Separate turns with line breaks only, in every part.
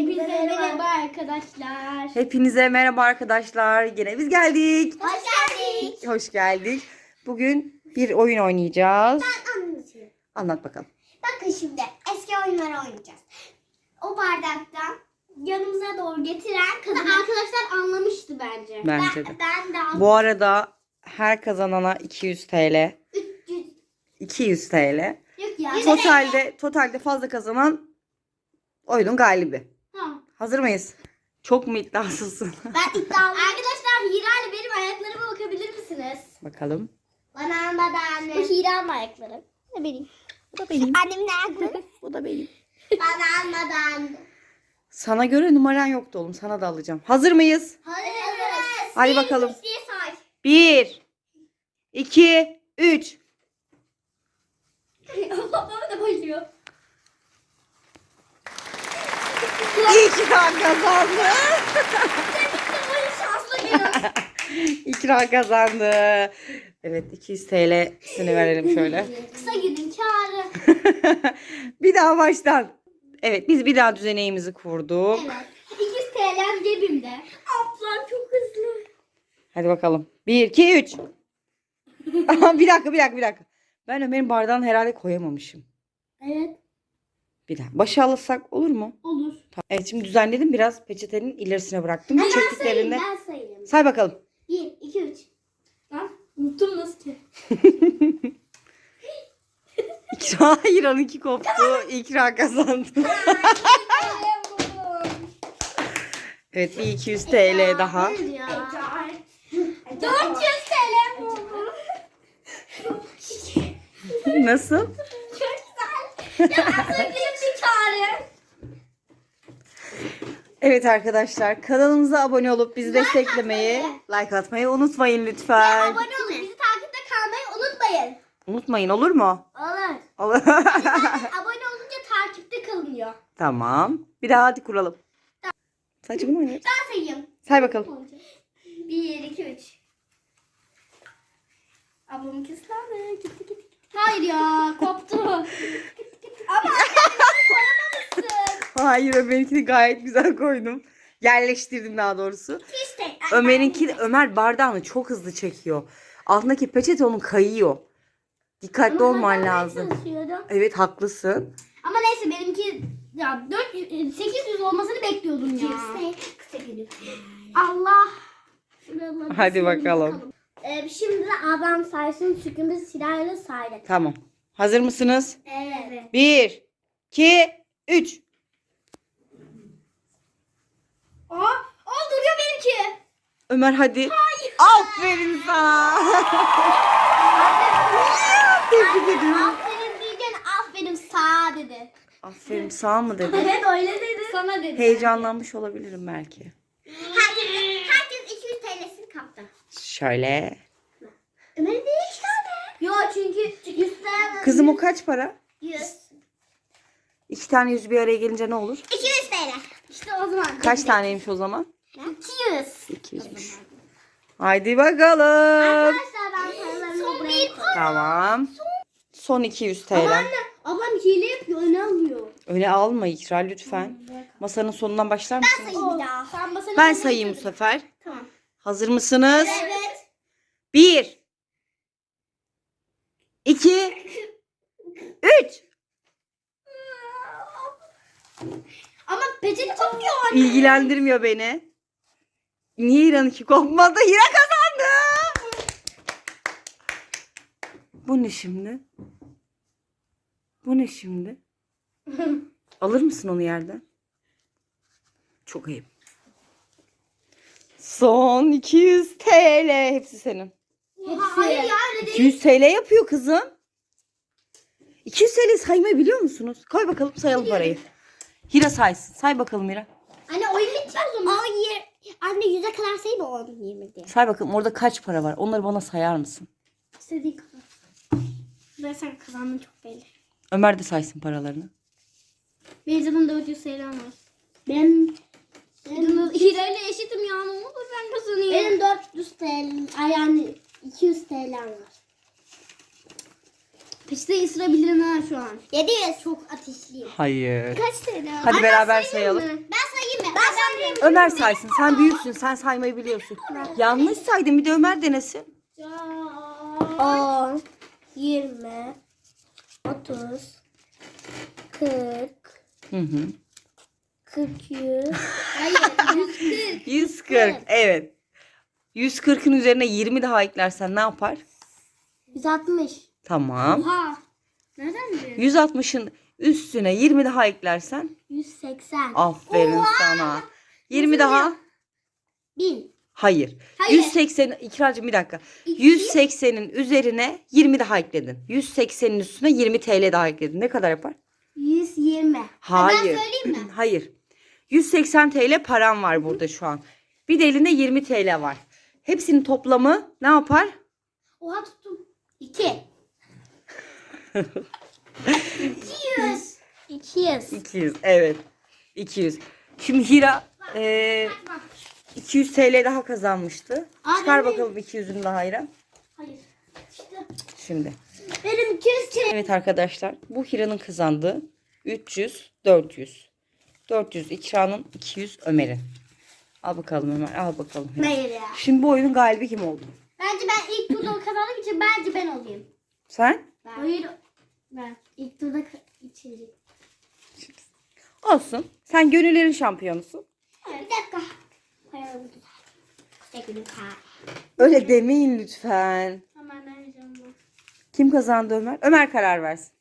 Hepinize merhaba arkadaşlar.
Hepinize merhaba arkadaşlar. Yine biz geldik.
Hoş geldin.
Hoş geldik. Bugün bir oyun oynayacağız.
Ben anlatayım.
Anlat bakalım.
Bakın şimdi eski oyunları oynayacağız. O bardaktan yanımıza doğru getiren kadın arkadaşlar anlamıştı bence.
Bence de.
Ben de aldım.
Bu arada her kazanana 200 TL.
300.
200 TL.
Yok ya.
Totalde fazla kazanan oyunun galibi.
Tamam.
Hazır mıyız? Çok mu iddiasızsın?
Ben iddialıyım. Arkadaşlar Hira ile benim ayaklarıma bakabilir misiniz?
Bakalım.
Bana almadı anne. Bu Hira'nın ayakları. Ne benim?
Bu da benim.
Annemin ayakları.
Bu da benim.
Bana almadı anne.
Sana göre numaran yoktu oğlum. Sana da alacağım. Hazır mıyız?
Hazırız.
Hadi bakalım.
Diye say.
1, 2, 3.
Baba da bayılıyor.
İkra kazandı.
Böyle şanslı gün.
İkra kazandı. Evet 200 TL'sini verelim şöyle.
Kısa günün kârı.
Bir daha baştan. Evet biz bir daha düzeneğimizi kurduk.
Evet. 200 TL'm cebimde. Ablam çok hızlı.
Hadi bakalım. 1, 2, 3. Bir dakika. Ben Ömer'in bardağını herhalde koyamamışım.
Evet.
Bir daha. Başa alırsak olur mu?
Olur.
Tamam. Evet şimdi düzenledim. Biraz peçetenin ilerisine bıraktım. Çektiklerinde.
Ben sayayım.
Say bakalım.
1, 2, 3. Lan unuttum nasıl ki?
Hayır onunki koptu. İkra kazandı. Evet bir 200 TL daha.
400 TL buldum.
Nasıl?
Çok güzel. Ya kısa günün bir kârı.
Evet arkadaşlar kanalımıza abone olup bizi desteklemeyi, like atmayı unutmayın lütfen.
Abone olun. Bizi takipte kalmayı unutmayın.
Unutmayın olur mu?
Olur.
Olur.
Zaten abone olunca takipte kalınıyor.
Tamam. Bir daha hadi kuralım. Sadece bunu oynayalım.
Ben sayayım.
Say bakalım.
1, 2, 3. Ablamın kıslandı. Gitti. Hayır ya koptu. Ama koyamamışsın.
Hayır Ömer'inkini gayet güzel koydum. Yerleştirdim daha doğrusu.
İşte.
Ömer bardağını çok hızlı çekiyor. Altındaki peçete onun kayıyor. Dikkatli olman lazım. Evet haklısın.
Ama neyse benimki ya 800 olmasını bekliyordum ya. Kısa günü. Allah. Şuraları
Hadi
sileyim
bakalım.
Şimdi de ablam saysın çünkü biz silahla saydık.
Tamam. Hazır mısınız?
Evet.
1, 2, 3.
Duruyor benimki.
Ömer hadi.
Hayır.
Aferin sana. Tebrik ediyorum.
Aferin diyeceksin aferin sağ dedi.
Aferin sağ mı dedi?
Evet öyle dedi. Sana dedi.
Heyecanlanmış olabilirim belki.
Herkes 200 TL'sini kaptı.
Şöyle.
Ömer'in de 2 tane. Yok çünkü 100 TL.
Kızım o kaç para?
100.
2 tane yüz bir araya gelince ne olur?
200 TL. İşte o zaman.
Kaç taneymiş o zaman?
200.
200'müş. Haydi bakalım.
Arkadaşlar ben paralarımı buraya koydum.
Tamam. Son 200 TL.
Ablam hile yapıyor öne alıyor.
Öyle alma İkra lütfen. Masanın sonundan başlar mısın?
Sayayım bir daha.
Ben sayayım bu sefer.
Tamam.
Hazır mısınız?
Evet.
1 2 3.
Ama peçete kopuyor anne.
İlgilendirmiyor beni. Niye İran'ınki kopmadı? Hira kazandı. Bu ne şimdi? Bu ne şimdi? Alır mısın onu yerden? Çok ayıp. Son 200 TL. Hepsi senin.
Hayır ya öyle değil.
200 TL yapıyor kızım. 200 TL saymayı biliyor musunuz? Koy bakalım sayalım parayı. Hira saysın. Say bakalım Hira.
Anne oyun bitiyor o zaman. Anne 100'e kadar sayma 10, 20 diye.
Say bakalım orada kaç para var? Onları bana sayar mısın?
İstediğin kadar. Ben sen kazandın çok belli.
Ömer de saysın paralarını.
Benim zaten 400 TL'm var. Benim Hira ile eşitim ya ne olur ben kazanayım. Benim 400 TL yani 200 TL'm var. Peçeteyi ısırabilirim ha şu an. 700. Çok ateşliyim.
Hayır.
Kaç TL?
Hadi beraber sayalım.
Ben sayayım. söyleyeyim.
Ömer saysın. Sen büyüksün. Sen saymayı biliyorsun. Yanlış saydın. Bir de Ömer denesin.
10, 20, 30, 40,
Hı hı.
40, 100. Hayır, 140.
140. Evet. 140'ın üzerine 20 daha eklersen ne yapar?
160.
Tamam.
Oha. Nereden biliyorsun?
160'ın üstüne 20 daha eklersen
180.
aferin sana. 20 daha.
1000.
Hayır.
Hayır.
180 İkracığım bir dakika. 180'in üzerine 20 daha ekledin. 180'in üstüne 20 TL daha ekledin. Ne kadar yapar?
120.
Hayır.
Ben söyleyeyim mi?
Hayır. 180 TL param var burada şu an. Bir de elinde 20 TL var. Hepsinin toplamı ne yapar?
Oha tuttum. 2. 200. 200.
200. Evet. 200. Şimdi Hira 200 TL daha kazanmıştı.
Aa,
Çıkar
benim-
bakalım 200'ünü daha Hira.
Hayır. İşte.
Şimdi.
Benim 200 TL.
Evet arkadaşlar. Bu Hira'nın kazandığı 300, 400. 400 İkra'nın, 200 Ömer'in. Al bakalım Ömer. Al bakalım. Hira.
Hayır ya.
Şimdi bu oyunun galibi kim oldu?
Bence ben ilk turda kazandığım için bence ben olayım.
Sen?
Hayır. Ben. İlk turda içecek.
Olsun. Sen gönüllerin şampiyonusun.
Bir dakika. Koyalım. Teknik ha.
Öyle demeyin lütfen.
Hemen arayacağım ben.
Kim kazandı Ömer? Ömer karar versin.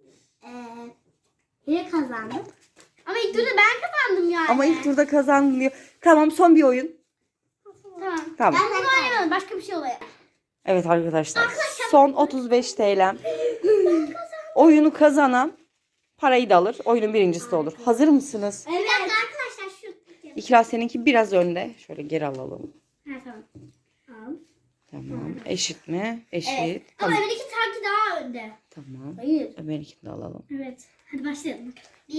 Yine kazandım. Ama ilk turda ben kazandım yani.
Ama ilk turda kazandın diyor. Tamam son bir oyun.
Tamam.
Tamam.
Ben bunu oynamadım. Başka bir şey oluyor.
Evet arkadaşlar. Son 35 TL. Oyunu kazanan parayı da alır. Oyunun birincisi de olur. Hazır mısınız?
Evet. Bir dakika arkadaşlar şu.
İkra seninki biraz önde. Şöyle geri alalım.
Ha tamam. Al.
Tamam. Eşit mi? Eşit.
Evet. Ama
Tamam.
Ömer'inki sanki daha önde.
Tamam.
Hayır.
Ömer'inkini de alalım.
Evet. Hadi başlayalım.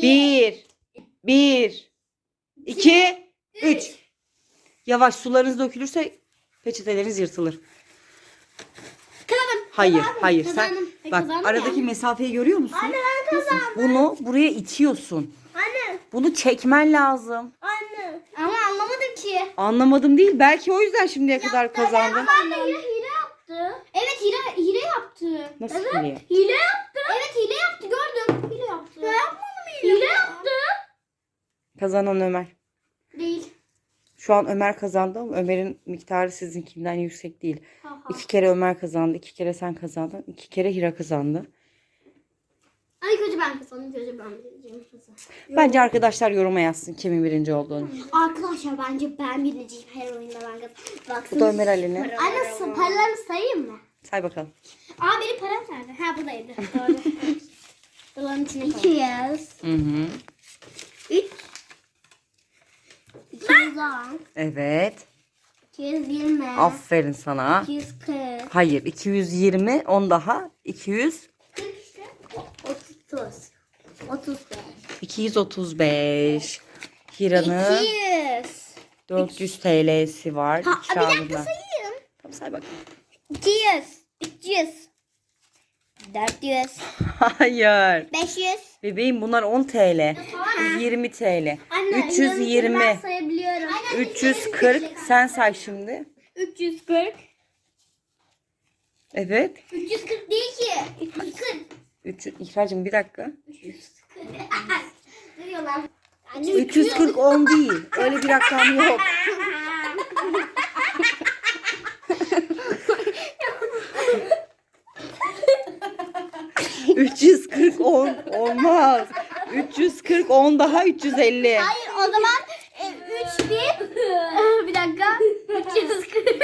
1 2 3. Yavaş, sularınız dökülürse peçeteleriniz yırtılır.
Kazandım.
Hayır,
Kazandım.
hayır.
Kazandım.
Sen bak
Kazandım
aradaki
yani.
mesafeyi görüyor musun?
Anne ben kazandım.
Bunu buraya itiyorsun.
Anne.
Bunu çekmen lazım.
Anne. Ama anlamadım ki.
Anlamadım değil. Belki o yüzden şimdiye kadar kazandın.
Ama anne hile yaptı. Evet hile yaptı.
Nasıl
evet,
hile?
Hile yaptı. Evet hile yaptı gördüm. Hile yaptı. Ben yapmadım hile yaptı.
Kazanan Ömer.
Değil.
Şu an Ömer kazandı ama Ömer'in miktarı sizinkinden yüksek değil.
Ha.
2 kere Ömer kazandı. 2 kere sen kazandın. 2 kere Hira kazandı.
Ay kötü ben kazandım. Kötü ben bileceğim.
Bence arkadaşlar yoruma yazsın kimin birinci olduğunu.
Arkadaşlar bence ben birinciyim her oyunda ben kazandım. Baksana.
Bu da Ömer Ali'nin.
Anne paralarını sayayım mı?
Say bakalım.
Aa benim param nerede? Ha buradaydı. Doğru. Doların içine koy. 200.
Hı hı.
3. 210.
Evet.
220.
Aferin sana.
240.
Hayır, 220, 10 daha. 200,
40 işte. 30. 35.
235. Hira'nın
200.
400 TL'si var.
Ha, bir
İkra'nın
dakika
da.
sayayım.
Tamam say bakalım.
200. 300. 400.
Hayır.
500.
Bebeğim bunlar 10 TL. 20 TL.
Anne,
320.
Ben sayabiliyorum.
340. Sen say şimdi.
340.
Evet.
340 değil ki. 340.
300. İkracığım bir dakika.
340. Ne diyorlar?
340 10 değil. Öyle bir rakam yok. ...340 10 olmaz. 340 10 daha 350.
Hayır o zaman 3000 bir dakika 340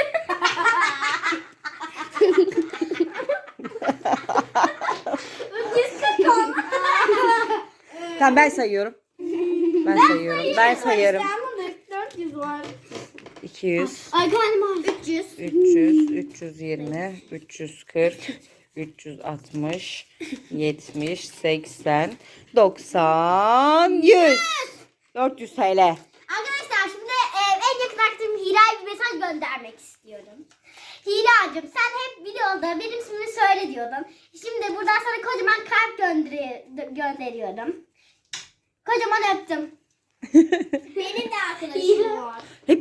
340 oldu.
Tamam ben sayıyorum. Ben sayıyorum. Ben sayarım.
400 var.
200,
Ay karnım ağrıyor. 300.
300, 320, 340, 360, 70, 80, 90, 100. 400 TL.
Arkadaşlar şimdi en yakın arkadaşım Hira'ya bir mesaj göndermek istiyorum. Hira'cığım sen hep videoda benim ismimi söyle diyordun. Şimdi buradan sana kocaman kalp gönderiyorum. Kocaman öptüm. Benim de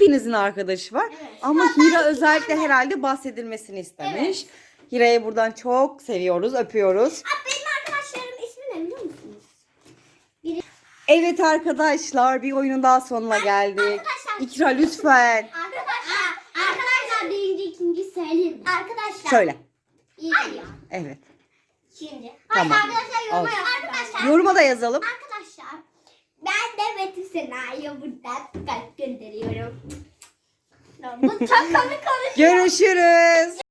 hepinizin arkadaşı var.
Evet.
Ama Hira özellikle herhalde bahsedilmesini istemiş. Hira'yı buradan çok seviyoruz, öpüyoruz.
Benim arkadaşlarım ismi ne biliyor musunuz?
Evet arkadaşlar, bir oyunun daha sonuna geldik.
Arkadaşlar.
İkra lütfen.
Arkadaşlar birinci, ikinci söyleyeyim. Arkadaşlar.
Söyle.
Hayır.
Evet.
İkinci.
Tamam.
Hayır arkadaşlar yoruma
Olsun.
yazın. Arkadaşlar.
Yoruma da yazalım.
Arkadaşlar. Ben de Betül Sena'ya buradan kalp gönderiyorum. Bu çok komik konuşuyor.
Görüşürüz.